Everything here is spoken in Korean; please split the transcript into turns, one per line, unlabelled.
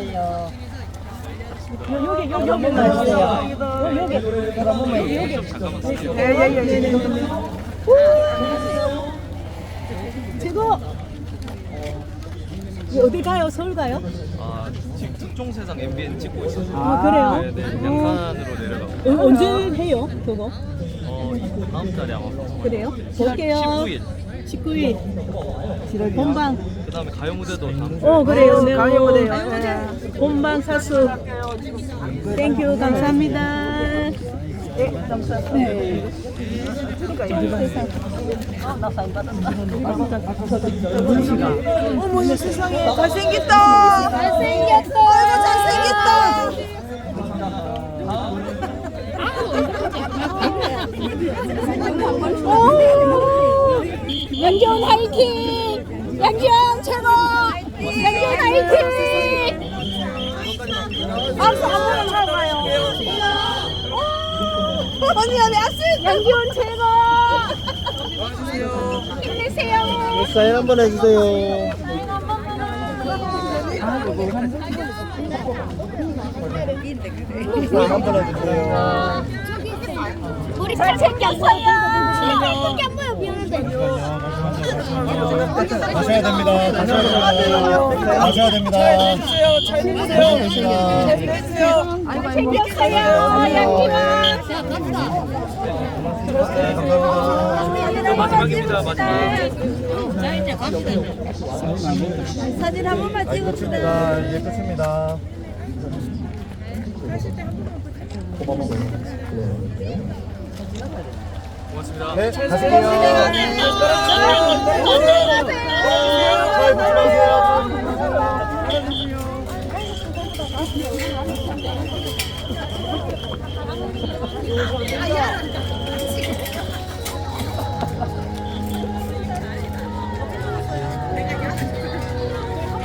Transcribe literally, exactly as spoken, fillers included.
있어요. 여기 여기 여기 있어요. 여기 여기 여기. 예예예. 최고. 어디 가요? 서울 가요?
아, 지금 특종세상 엠비엔 찍고 있어서.
아, 그래요?
네, 네. 양산으로 내려가고.
어, 언제 해요? 그거?
어, 다음 달에 아마 방송.
그래요? 볼게요.
십구 일.
십구 일. 본방.
그다음에 가요 무대도 다음 주에.
어 그래요. 네, 가요 무대요. 본방 사수. 땡큐 감사합니다. 네, 감사합니다. 네. 나 사인 받았다.
어머니 세상에 잘생겼다. 잘생겼다. 아이고 잘생겼다. 오, 양지원 화이팅! 양지원 최고! 양지원 화이팅! 박수 한번 쳐봐요. 언니 언니 악수! 양지원 최고! 힘내세요.
사인 한번 해주세요. 사인 한번 해주세요.
우리 잘생겼어요. 잘생긴 게 안 보여 미안한데.
가셔야 됩니다. 가셔야 됩니다. 가셔야 됩니다.
잘 해주세요. 잘 해주세요. 잘생겼어요. 양기만.
마지막입니다. 마지막.
자 이제 갑시다. 사진 한 번만 찍읍시다.
자, 이제 끝입니다.
고맙습니다.
네, 가실게요. 잘 조심하세요.